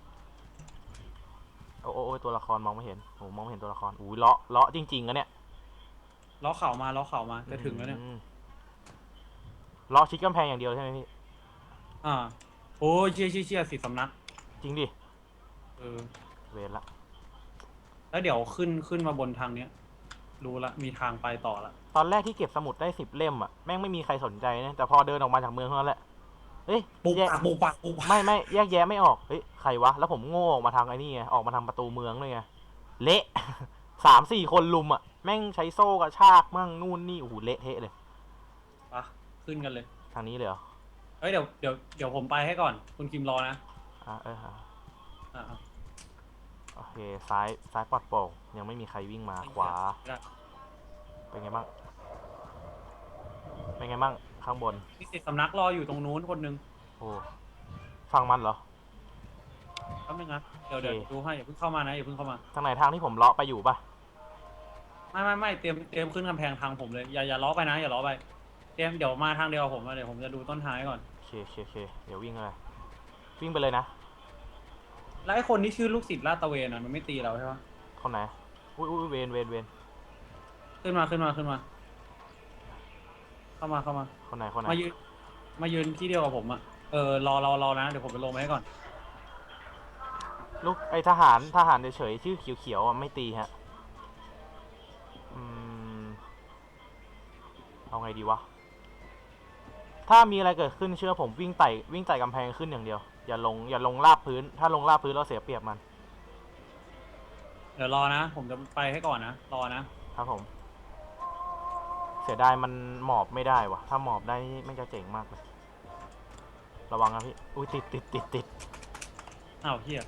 Speaker 1: โอ้โอ้โอ้ยตัวละครมองไม่เห็นโอ้มองไม่เห็นตัวละครอุ้ยเลาะเลาะจริงๆอะเนี่ย
Speaker 4: เลาะเข่ามาเลาะเข่ามาจะถึงแล้วเนี่ย
Speaker 1: อืมเลาะชิดกำแพงอย่างเดียวใช่ไหมพี่
Speaker 4: อ่าโอ้ยเชี่ยเชี่ยเชี่ยสิสำนัก
Speaker 1: จริงดิ
Speaker 4: เออ
Speaker 1: เวรละ
Speaker 4: แล้วเดี๋ยวขึ้นขึ้นมาบนทางเนี้ยรู้ละมีทางไปต่อละ
Speaker 1: ตอนแรกที่เก็บสมุดได้สิบเล่มอะแม่งไม่มีใครสนใจนะแต่พอเดินออกมาจากเมืองเท่านั้นแหละเฮ้ย
Speaker 4: ปุก
Speaker 1: แยก
Speaker 4: ปักปุกปักปุกปัก
Speaker 1: ไม่ไม่แยกแยะไม่ออกเฮ้ยใครวะแล้วผมโง่ออกมาทางไอ้นี่ไงออกมาทางประตูเมืองเลยไงเละ สามสี่คนลุมอะแม่งใช้โซ่กระชากมั่งนู่นนี่โอ้โหเละเทะเลย
Speaker 4: ปะขึ้นกันเลย
Speaker 1: ทางนี้เลยเหรอ
Speaker 4: เฮ้ยเดี๋ยวเดี๋ยวเดี๋ยวผมไปให้ก่อนคุณคิมรอนะ
Speaker 1: อ่ะเอออ่ะ
Speaker 4: อ่า
Speaker 1: โอเคซ้ายซ้ายปลอดโปร่งยังไม่มีใครวิ่งมาขวา
Speaker 4: ได้
Speaker 1: เป็นไงบ้างเป็นไงบ้างข้างบน
Speaker 4: มีสิทธิ์สำนักรออยู่ตรงนู้นคนหนึง
Speaker 1: โอ้ฟังมันเหรอ
Speaker 4: แป๊บนึงนะเดี๋ยวเดี๋ยว
Speaker 1: โอเค
Speaker 4: ดูให้อย่าเพิ่งเข้ามานะอย่าเพิ่งเข้ามา
Speaker 1: ทางไหนทางที่ผมเลาะไปอยู่ปะ
Speaker 4: ไม่ไม่ไม่เตรียมเตรียมขึ้นกำแพงทางผมเลยอย่าอย่าล้อไปนะอย่าล้อไปเตรียมเดี๋ยวมาทางเดียวกับผมนะเดี๋ยวผมจะดูต้นทางให้ก่อน
Speaker 1: โอเคโอเคโอเคเดี๋ยววิ่งเลยวิ่งไปเลยนะ
Speaker 4: แล้วไอ้คนที่ชื่อลูกศิษย์ลาดตระเวนอ่ะมันไม่ตีเราใช่ปะ
Speaker 1: คนไหนอุ้ยอุ้ยเวนเวนเวน
Speaker 4: ขึ้นมาขึ้นมาขึ้นมา เข้ามาเข้ามา
Speaker 1: คนไหนคนไหน
Speaker 4: มายืนมายืนที่เดียวกับผมอ่ะเออรอรอรอนะเดี๋ยวผมไปลงมาให้ก่อน
Speaker 1: ลูกไอทหารทหารเฉยๆชื่อเขียวๆอ่ะไม่ตีฮะอืมเอาไงดีวะถ้ามีอะไรเกิดขึ้นเชื่อผมวิ่งไต่วิ่งไต่กำแพงขึ้นอย่างเดียวอย่าลงอย่าลงราบพื้น ถ้าลงราบพื้นเราเสียเปรียบมัน
Speaker 4: เดี๋ยวรอนะ ผมจะไปให้ก่อนนะรอนะครับ
Speaker 1: ผม เสียดายมันหมอบไม่ได้วะถ้าหมอบได้นี่ไม่จะเจ๋งมากเลยระวังนะพี่อุ้ยติดติดติดติด
Speaker 4: อ้าวเฮีย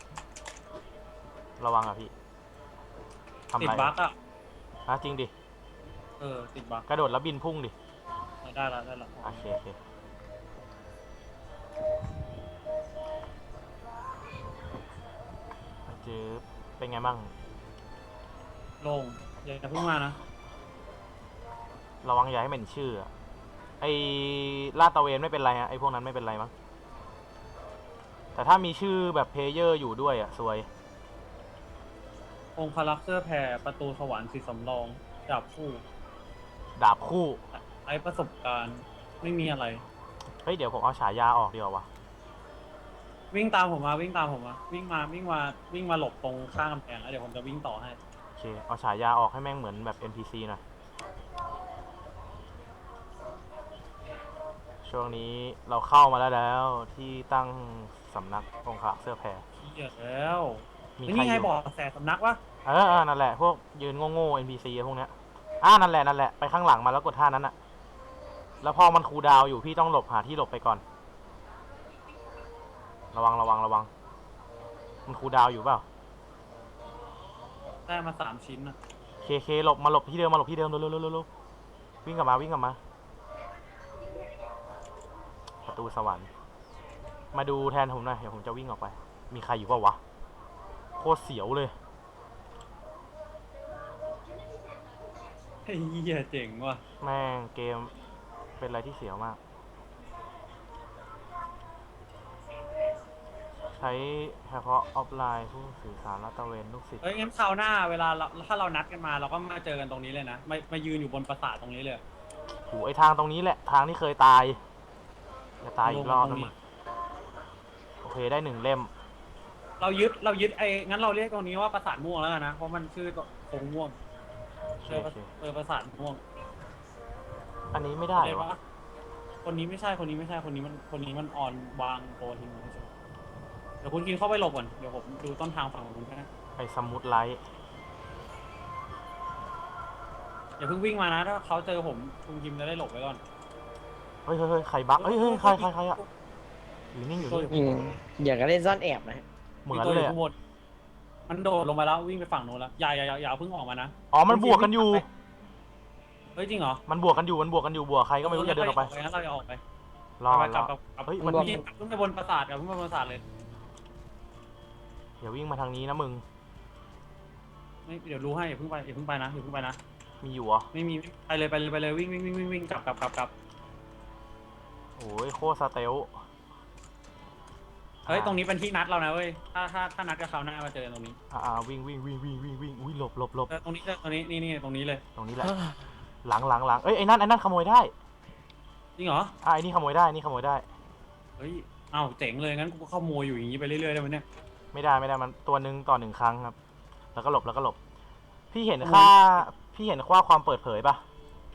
Speaker 1: ระวังอะพี่ทำ
Speaker 4: ติด
Speaker 1: ไร
Speaker 4: บั๊กอ่ะ
Speaker 1: ฮะจริงดิ
Speaker 4: เออติดบั๊ก
Speaker 1: กระโดดแล้วบินพุ่งดิ
Speaker 4: ได้ละได้ละ
Speaker 1: โอเคโอเคเจอเป็นไงบ้าง
Speaker 4: ลงอย่าเพิ่งมานะ
Speaker 1: ระวังอย่าให้เหม็นชื่ออะไอลาดตระเวนไม่เป็นไรฮะไอพวกนั้นไม่เป็นไรมั้งแต่ถ้ามีชื่อแบบเพลเยอร์อยู่ด้วยอะซวย
Speaker 4: องค์พระลักษณ์เสื้อแผ่ประตูสวรรค์สีสำรองดาบคู่
Speaker 1: ดาบคู่
Speaker 4: ไอ้ประสบการณ์ไม่มีอะไร
Speaker 1: เฮ้ยเดี๋ยวผมเอาฉายาออกดีกว่าวะ
Speaker 4: วิ่งตามผมมาวิ่งตามผมมาวิ่งมาวิ่งมาวิ่งมาหลบตรงข้างกำแพงแล้วเดี๋ยวผมจะวิ่งต่อให้
Speaker 1: โอเคเอาฉายาออกให้แม่งเหมือนแบบ เอ็น พี ซี หน่อยช่วงนี้เราเข้ามาแล้วแล้วที่ตั้งสำนักองค์ขลักเสื้อแพร
Speaker 4: เหี้ยแล้ว
Speaker 1: มี
Speaker 4: แล้ว
Speaker 1: ใคร
Speaker 4: นี่
Speaker 1: อ
Speaker 4: ไง
Speaker 1: ยู่
Speaker 4: บอกแสสำนักวะ
Speaker 1: เออเออนั่นแหละ พวกยืนโง่ๆ เอ็น พี ซี พวกเนี้ยอ่านั่นแหละ นั่นแหละ ไปข้างหลังมาแล้วกดท่านั้นอะแล้วพอมันคูลดาวน์อยู่พี่ต้องหลบหาที่หลบไปก่อน ระวังระวังระวัง มันคูลดาวน์อยู่เปล่า
Speaker 4: ได้มาสามชิ้นนะ
Speaker 1: เคเคหลบมาหลบที่เดิมมาหลบที่เดิมเร็วเร็วเร็วเร็ววิ่งกลับมาวิ่งกลับมา ประตูสวรรค์ มาดูแทนผมหน่อยเดี๋ยวผมจะวิ่งออกไป มีใครอยู่เปล่าวะ โคตรเสียวเลย
Speaker 4: ไอ้เหี้ยเจ๋งว่ะ
Speaker 1: แม่งเกมเป็นอะไรที่เสียวมาก ใช้เฉพาะออฟไลน์ผู้สื่อสารและตระเวนลูกศิษย์
Speaker 4: เฮ้ยงั้นคราวหน้าเวลาเราถ้าเรานัดกันมาเราก็มาเจอกันตรงนี้เลยนะมามายืนอยู่บนปราสาทตรงนี้เลย
Speaker 1: โหไอทางตรงนี้แหละทางที่เคยตายจะตายอีกรอบแล้วมึงโอเคได้หนึ่งเล่ม
Speaker 4: เรายึดเรายึดไอ้งั้นเราเรียกตรงนี้ว่าปราสาทม่วงแล้วกันนะเพราะมันชื่อโคงม่วง
Speaker 1: โอเค
Speaker 4: เจอ
Speaker 1: โอเค
Speaker 4: เจอปราสาทม่วง
Speaker 1: อันนี้ไม่ได้
Speaker 4: เลยว
Speaker 1: ะ
Speaker 4: วะคนนี้ไม่ใช่คนนี้ไม่ใช่คนนี้มันคนนี้มันออนวางโปรทิ้งไว้ใช่ไหมเดี๋ยวคุณกินเข้าไปหลบก่อนเดี๋ยวผมดูต้นทางฝั่งของคุณนะ
Speaker 1: ไอสมุดไลท์
Speaker 4: อย่าเพิ่งวิ่งมานะถ้าเขาเจอผมคุณกิมจะได้หลบไว้ก่อน
Speaker 1: เฮ้ยเฮ้ยเฮ้ยใครบักเฮ้ยเฮ้ยใครใครใครอะอยู่นิ่งอยู่นิ่ง
Speaker 2: อืมอยากจะเล่นซ่อนแอบนะฮะ
Speaker 1: เหมือน
Speaker 4: ตัว
Speaker 1: เล
Speaker 4: อย ยู่
Speaker 1: อะ
Speaker 4: ข้างบนมันโดดลงไปแล้ววิ่งไปฝั่งโน้นแล้วอย่าอย่าอย่าอย่าเพิ่งออกมานะ
Speaker 1: อ๋อมันบวกกันอยู่
Speaker 4: เฮ้ยจริงเหรอ
Speaker 1: มันบวกกันอยู่มันบวกกันอยู่บวกใครก็ไม่รู้อย่าเดินออกไป
Speaker 4: งั้นเราจะออกไป
Speaker 1: รอ
Speaker 4: ไป
Speaker 1: ร
Speaker 4: กลั
Speaker 1: อบ
Speaker 4: กลับกลับ
Speaker 1: เฮ้ย
Speaker 4: คุ
Speaker 1: มั
Speaker 4: ณ
Speaker 1: น
Speaker 4: กิมขึ้นไปบนปราสาทกับขึ้นไปบนปราสาทเลย
Speaker 1: อย่าวิ่งมาทางนี้นะมึง
Speaker 4: ไม่เดี๋ยวรู้ให้อย่าเพิ่งไปอย่าเพิ่งไปนะอย่าเพิ่งไปนะ
Speaker 1: มีอยู่เหรอ
Speaker 4: ไม่มีไปเลยไปเลยไปเลยวิ่งวิ่งวิ่งวิ่งวิ่งกลับกลับกลับกลับ
Speaker 1: โอ้ยโคตรสเตล
Speaker 4: เฮ้ยตรงนี้เป็นที่นัดเรานะเว้ยถ้าถ้าถ้านัดกับเขาหน้ามาเจอตรงนี้
Speaker 1: อ่าอ่าวิ่งวิ่งวิ่งวิ่งวิ่งวิ่งอุ้ยหลบหลบหลบ
Speaker 4: เออตรงนี้เจอตรงนี้นี่นี่ตรงนี้เลย
Speaker 1: ตรงนี้แหละหลังหลังหลังเอ้ยไอ้นั่นไอ้นั่นขโมยได้
Speaker 4: จริงเหรอ
Speaker 1: อ่ะไอ้นี่ขโมยได้นี่ขโมยได้
Speaker 4: เฮ้ยอ้าวเจ๋งเลยงั้นกูก็ขโมยอยู่อย่างนี้ไปเรื่อยๆได้ไหมเนี่ย
Speaker 1: ไม่ได้ไม่ได้มันตัวหนึ่งต่อหนึ่งครั้งครับ แล้วก็หลบแล้วก็หลบ พี่เห็นค่าพี่เห็นค่าความเปิดเผยปะ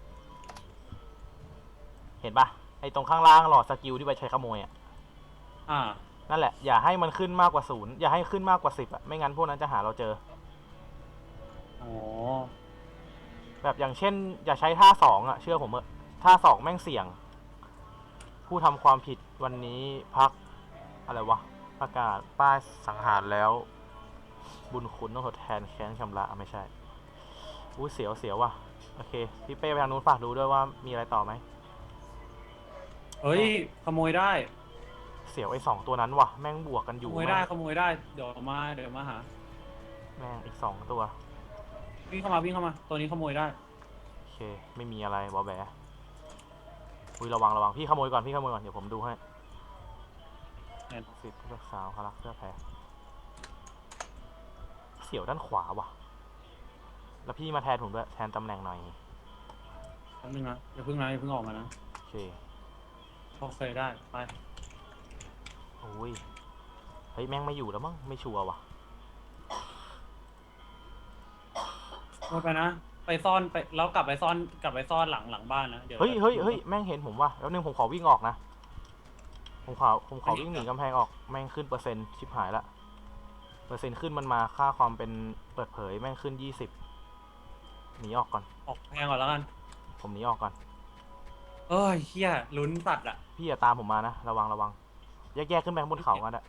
Speaker 1: เห็นปะไอ้ตรงข้างล่างหลอดสกิลที่ไปใช้ขโมยอ่ะ
Speaker 4: อ่า
Speaker 1: นั่นแหละอย่าให้มันขึ้นมากกว่าศูนย์อย่าให้ขึ้นมากกว่าสิบอ่ะไม่งั้นพวกนั้นจะหาเราเจอ
Speaker 4: อ๋อ
Speaker 1: แบบอย่างเช่น อย่าใช้ท่าสองอ่ะเชื่อผมเถอะท่าสองแม่งเสี่ยง ผู้ทำความผิดวันนี้พักอะไรวะประกาศป้ายสังหารแล้ว บุญคุณต้องทดแทนแค้นชำระอ่ะไม่ใช่อู้เสียวเสียวว่ะโอเคพี่เป้ไปทางนู้นฝากดูด้วยว่ามีอะไรต่อไหม
Speaker 4: เฮ้ยขโมยได้
Speaker 1: เสียวไอ้สองตัวนั้นว่ะแม่งบวกกันอ
Speaker 4: ข
Speaker 1: ยู่
Speaker 4: โมยได้ขโมยได้เดี๋ยวมาเดี๋ยวมาหา
Speaker 1: แม่งอีกสองตัว
Speaker 4: วิ่งเข้ามาวิ่งเข้ามาตัวนี้ขโมยได้
Speaker 1: โอเคไม่มีอะไรบอแบอุ้ยระวังระวังพี่ขโมยก่อนพี่ขโมยก่อนเดี๋ยวผมดูให้
Speaker 4: เห็น
Speaker 1: สิทธิ์เลือกสาวคารักเสื้อแพ้เสียวด้านขวาว่ะ แล้วพี่มาแทนผมด้วยแทนตำแหน่งหน่อย
Speaker 4: แป๊บนึงนะอย่าเพิ่งนะอย่าเพิ่งออกมานะ
Speaker 1: โอเค
Speaker 4: โอเคได้ไป
Speaker 1: โอ้ยเฮ้ยแม่งไม่อยู่แล้วมั้งไม่ชัวร์ว่ะ
Speaker 4: ขโมยไปนะ ไปซ่อนไปแล้วกลับไปซ่อนกลับไปซ่อนหลังหลังบ้านนะเดี๋ยว
Speaker 1: เฮ้ยเฮ้ยเฮ้ยแม่งเห็นผมว่ะแล้วนึงผมขอวิ่งออกนะผมขอผมขอวิ่งหนีกำแพงออกแม่งขึ้นเปอร์เซ็นต์ชิบหายละเปอร์เซ็นต์ขึ้นมันมาค่าความเป็นเปิดเผยแม่งขึ้นยี่สิบหนีออกก่อน
Speaker 4: ออกแพงก่อนแล้วกัน
Speaker 1: ผมหนีออกก่อน
Speaker 4: เอ้ยเฮียลุ้นสัตว์อะ
Speaker 1: พี่อย่าตามผมมานะระวังระวังแยกๆขึ้นไปข้างบนเขากันอะ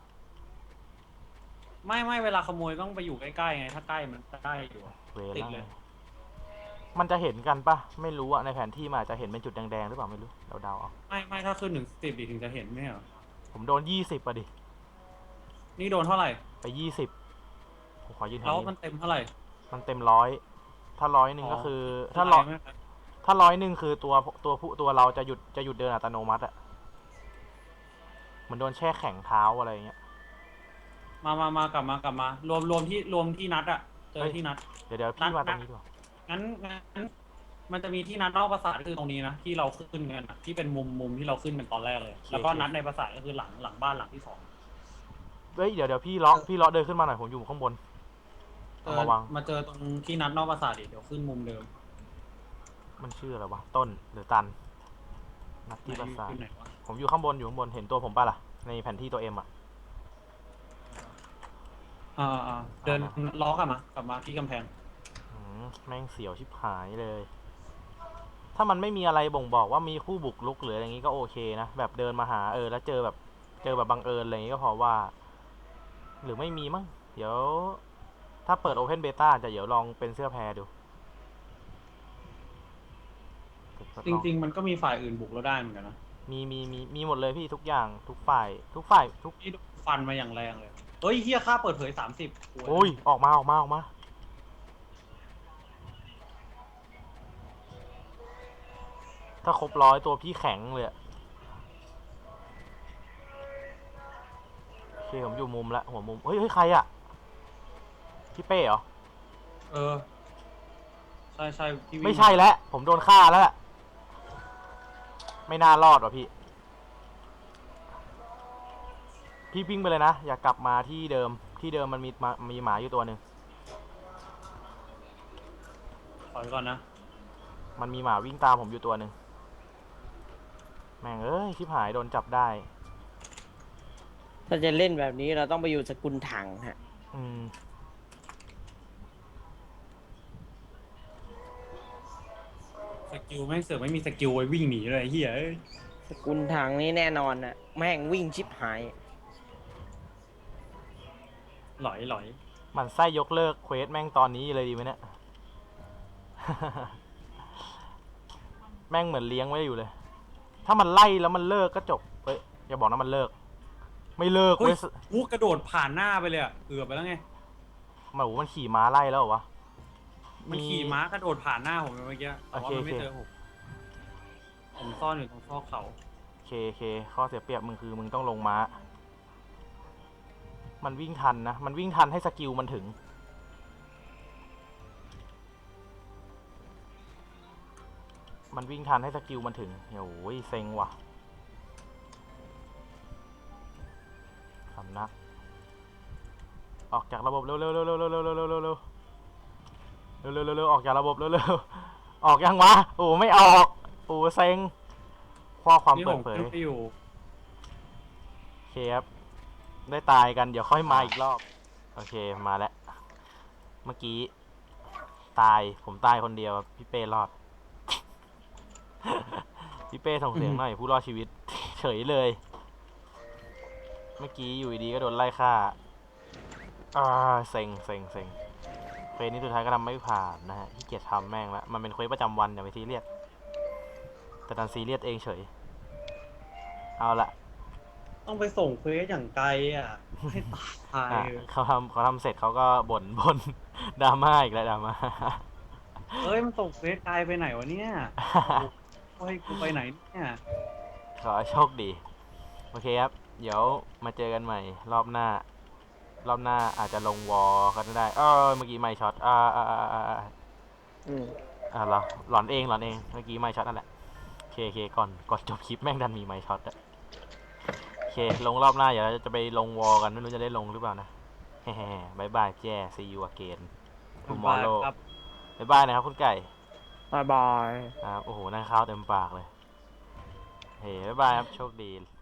Speaker 4: ไม่ไม่เวลาขโมยต้องไปอยู่ใกล้ๆไง ถ้าใกล้มันใกล้อยู่อะ
Speaker 1: เว
Speaker 4: ติด
Speaker 1: ล่า
Speaker 4: เลย
Speaker 1: มันจะเห็นกันปะไม่รู้อะในแผนที่มันอาจจะเห็นเป็นจุดแดงๆหรือเปล่าไม่รู้เดาๆเอา
Speaker 4: ไม่ไม่ถ้าขึ้นถึงสิบดิถึงจะเห็นไม่เหรอ
Speaker 1: ผมโดนยี่สิบอะดิ
Speaker 4: นี่โดนเท่าไหร่
Speaker 1: ไปยี่สิบผมขอยืนแถ
Speaker 4: แล้ว ว
Speaker 1: นี้
Speaker 4: มันเต็มเท่าไหร่
Speaker 1: มันเต็มร้อยถ้าร้อยหนึ่งก็คือ ถ้าร้อย
Speaker 4: ไม่เป็นไร
Speaker 1: ถ้าร้อยหนึ่งคือตัวตัวผู้ตัวเราจะหยุดจะหยุดเดินอัตโนมัติอะเหมือนโดนแช่แข็งเท้าอะไรอย่างเงี้ย
Speaker 4: มามามากลับมากลับมา รวมรวมที่รวมที่นัดอะเจอที่นัด
Speaker 1: เดี๋ยวเดี๋ยวพี่มาตรงนี้ดีกว่า
Speaker 4: งั้นงั้นมันจะมีที่นัดนอกปราสาทก็คือตรงนี้นะที่เราขึ้นกันอะที่เป็นมุมมุมที่เราขึ้นเป็นตอนแรกเลย แล้วก็นัดในปราสาทก็คือหลังหลังบ้านหลังที่สอง
Speaker 1: เฮ้ยเดี๋ยวเดี๋ยวพี่เลาะพี่เลาะเดินขึ้นมาหน่อยผมอยู่ข้างบน
Speaker 4: เอ
Speaker 1: เอา
Speaker 4: อ
Speaker 1: มาวาง
Speaker 4: มาเจอตรงที่นัดนอกปราสาทดิเดี๋ยวขึ้นมุมเดิม
Speaker 1: มันชื่ออะไรวะต้นหรือตันนัดที่ปราสาท
Speaker 4: อยู่ไหนวะ
Speaker 1: ผมอยู่ข้างบนอยู่ข้างบนเห็นตัวผมป่ะล่ะในแผนที่ตัวเอ็มอะ
Speaker 4: อ่าอ่าเดินล้อกลับมากลับมาที่กำแพง
Speaker 1: อืมแม่งเสียวชิบหายเลย ถ้ามันไม่มีอะไรบ่งบอกว่ามีผู้บุกรุกหรืออะไรอย่างงี้ก็โอเคนะ แบบเดินมาหาเออแล้วเจอแบบเจอแบบบังเอิญอะไรอย่างงี้ก็พอว่า หรือไม่มีมั้งเดี๋ยว ถ้าเปิด Open Beta จะเดี๋ยวลองเป็นเสื้อแพรดู
Speaker 4: จริง ๆ มันก็มีฝ่ายอื่นบุกเราได้เหมือนกันนะ
Speaker 1: มีมีมีมีหมดเลยพี่ทุกอย่างทุกฝ่าย ทุกฝ่ายทุก
Speaker 4: ที่ฟันมาอย่างแรงเลยเฮ้ยเฮียค่าเปิดเผยสามสิบ
Speaker 1: โอ้ยออกมาออกมาออกมาถ้าครบร้อยตัวพี่แข็งเลยอะโอเคผมอยู่มุมละหัวมุมเฮ้ยเฮ้ยใครอะพี่เป้เหรอ
Speaker 4: เออ ใช่ใช่พี่วิ่ง
Speaker 1: ไม่ใช่แล้วผมโดนฆ่าแล้วล่ะไม่น่ารอดว่ะพี่ พี่วิ่งไปเลยนะอย่ากลับมาที่เดิมที่เดิมมันมีมามีหมาอยู่ตัวหนึ่ง
Speaker 4: ถอยก่อนนะ
Speaker 1: มันมีหมาวิ่งตามผมอยู่ตัวหนึ่งแม่งเอ้ยชิบหายโดนจับได้
Speaker 2: ถ้าจะเล่นแบบนี้เราต้องไปอยู่สกุลถังฮะ
Speaker 1: อืม
Speaker 4: สกิลแม่งเสือกไม่มีสกิลไว้วิ่งหนีเลยไอ้เฮียเอ้ย
Speaker 2: สกุลถังนี่แน่นอนนะแม่งวิ่งชิบหาย
Speaker 4: หลอยหลอย
Speaker 1: มันไส้ยกเลิกเควสแม่งตอนนี้เลยดีไหมเนี่ย แม่งเหมือนเลี้ยงไว้อยู่เลย ถ้ามันไล่แล้วมันเลิกก็จบเฮ้ยอย่าบอกนะมันเลิก ไม่เลิก
Speaker 4: เฮ้
Speaker 1: เว้
Speaker 4: ย
Speaker 1: ย
Speaker 4: กูกระโดดผ่านหน้าไปเลยอะเกือบไปแล้วไง
Speaker 1: หมาหูมันขี่ม้าไล่แล้วเหรอวะ
Speaker 4: มันขี่ม้ากระโดดผ่านหน้าผมไปเมื่อกี้แต่ว่า
Speaker 1: โอเค
Speaker 4: มันไม่
Speaker 1: โอเค
Speaker 4: เจอผมผมซ่อนอยู่ตรงซอกเขา
Speaker 1: โอเคโอเคข้อเสียเปรียบมึงคือมึงต้องลงม้า มันวิ่งทันนะ มันวิ่งทันให้สกิลมันถึง มันวิ่งทันให้สกิลมันถึงโอ้ยเซ็งว่ะสำนัก ออกจากระบบเร็วเร็วเร็วเร็วเร็วเร็วเร็วเร็วเร็วเร็วเร็วเร็วเร็วเร็วออกจากระบบเร็วเร็วออกยังวะโอ้ไม่ออกโอ้เซ็งข้อความ
Speaker 4: นี่
Speaker 1: เปิ
Speaker 4: ผ
Speaker 1: ด
Speaker 4: ม
Speaker 1: เผย
Speaker 4: ขึ้นไปอยู่
Speaker 1: โอเคครับได้ตายกันเดี๋ยวค่อยมาอีกรอบโอเคมาแล้วเมื่อกี้ตายผมตายคนเดียวพี่เป้รอด พี่เป้ส่งเสียงหน่อยผู้รอดชีวิต เฉยเลย เมื่อกี้อยู่ดีๆก็โดนไล่ฆ่าอ่าเซ็งเซ็งเซ็งเควสนี้สุดท้ายก็ทำไม่ผ่านนะฮะที่เกียจทำแม่งละมันเป็นเควสประจำวันอย่าไปซีเรียสแต่ดันซีเรียสเองเฉยเอาละ
Speaker 4: ต้องไปส่งเควสอย่างไกลอ่ะ ให้ตาย
Speaker 1: อ่ะเขาทำเขาทำเสร็จเขาก็บ่น บ่นดราม่าอีกแล้วดราม่า
Speaker 4: เอ้ยมันส่งเควสไกลไปไหนวะเนี่ยโอ้ยกูไปไหนเนี่ย
Speaker 1: ขอให้โชคดี โอเคครับ เดี๋ยวมาเจอกันใหม่รอบหน้า รอบหน้าอาจจะลงวอลก็ได้เออเมื่อกี้ไม่ช็อตอ่าอ่าอ่าอ่าอ่า
Speaker 2: อืม
Speaker 1: อ่าเหรอหลอนเองหลอนเองเมื่อกี้ไม่ช็อตนั่นแหละโอเคโอเคก่อนก่อนจบคลิปแม่งดันมีไม่ช็อตอะโอเคลงรอบหน้าเดี๋ยวเราจะไปลงวอลกันไม่รู้จะได้ลงหรือเปล่านะแฮ่ๆบายบายแจ้ see you again tomorrow
Speaker 4: ครับ
Speaker 1: บายบายนะครับคุณไก่
Speaker 2: บายบาย
Speaker 1: ครับโอ้โหนั่งข้าวเต็มปากเลย เฮ้ยบ๊ายบายครับ โชคดี